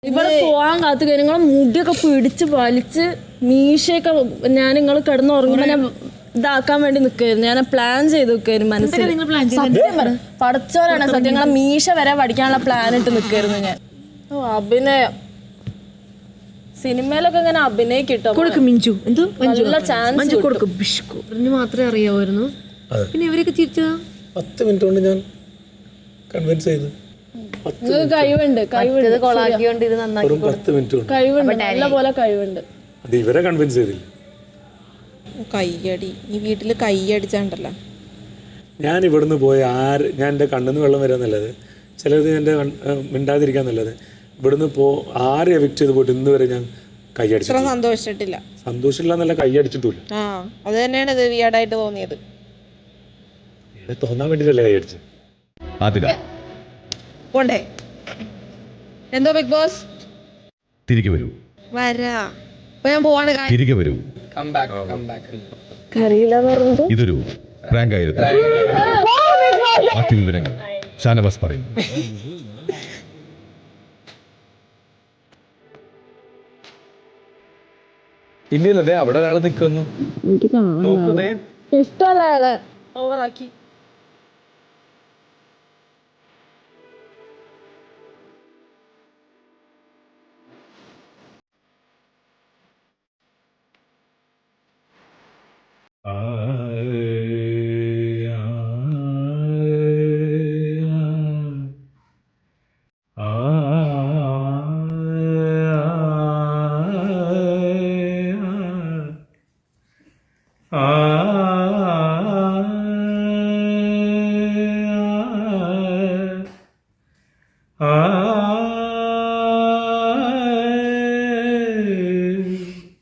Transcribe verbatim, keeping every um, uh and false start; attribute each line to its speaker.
Speaker 1: ഇവിടെ പോവാൻ കാത്തു നിങ്ങളെ മുടിയൊക്കെ പിടിച്ച് വലിച്ച് മീശയൊക്കെ ഞാൻ നിങ്ങൾ കിടന്ന് ഉറങ്ങുമ്പോ ഞാൻ ഇതാക്കാൻ വേണ്ടി നിൽക്കായിരുന്നു. ഞാൻ പ്ലാൻ ചെയ്ത് നിൽക്കായിരുന്നു മനസ്സിൽ. സത്യം പറ പഠിച്ചവരാണ് സത്യം. നിങ്ങളെ മീശ വരെ പഠിക്കാനുള്ള പ്ലാൻ ഇട്ട് നിൽക്കായിരുന്നു ഞാൻ. ഓ അഭിനയം സിനിമയിലൊക്കെ ഇങ്ങനെ അഭിനയിക്കിട്ടോ നല്ല ചാൻസ്
Speaker 2: മാത്രമേ അറിയാമായിരുന്നു. പിന്നെ ഇവരൊക്കെ തിരിച്ചതാ
Speaker 3: പത്ത് മിനിറ്റ് കൊണ്ട് ഞാൻ കൺവിൻസ് ചെയ്തു.
Speaker 1: നിങ്ങൾക്ക് കഴിവുണ്ട് കഴിവുണ്ട്
Speaker 2: കൊളാക്കിയോണ്ട് ഇത് നന്നാക്കി
Speaker 3: പത്ത് മിനിറ്റ് കൊണ്ട്
Speaker 1: കഴിവുണ്ട് നല്ല പോലെ കഴിവുണ്ട്.
Speaker 3: അത് ഇവരെ കൺവിൻസ് ചെയ്തില്ല.
Speaker 4: കയ്യടി ഈ വീട്ടിൽ കയ്യടിച്ചാണ്ടല്ലോ.
Speaker 3: ഞാൻ ഇവിടുന്ന് പോയി ആര് ഞാൻ എൻ്റെ കണ്ണിന്ന് വെള്ളം വരാൻ നല്ലത്, ചിലത് എൻ്റെ മിണ്ടാതിരിക്കാൻ നല്ലത്. ഇവിടുന്ന് പോ ആര് എവിക്ട് ചെയ്ത് പോയിട്ട് ഇന്ന് വരെ ഞാൻ കൈയടിച്ചു
Speaker 4: സന്തോഷിച്ചിട്ടില്ല.
Speaker 3: സന്തോഷമില്ല എന്നല്ല, കൈയടിച്ചിട്ടില്ല.
Speaker 4: ആ അത് തന്നെയാണ് ഇത് വിയർഡായിട്ട് തോന്നിയത്.
Speaker 3: തോന്നാൻ വേണ്ടിട്ടല്ലേ കൈയടിച്ചു.
Speaker 4: പോണ്ടേ എന്തോ ബിഗ് ബോസ്
Speaker 5: തിരികെ വരൂ,
Speaker 4: വരാ അപ്പൊ ഞാൻ പോവാണ്.
Speaker 5: തിരികെ വരൂ. ഇതൊരു പ്രാങ്ക് ആയിരുന്നു. ബാക്കി വിവരങ്ങൾ ഷാനവാസ് പറയും.
Speaker 6: ഇല്ലല്ലേ അവിടെ ഒരാൾ നിൽക്കുന്നു.
Speaker 1: ഇഷ്ടമല്ല ഓവറാക്കി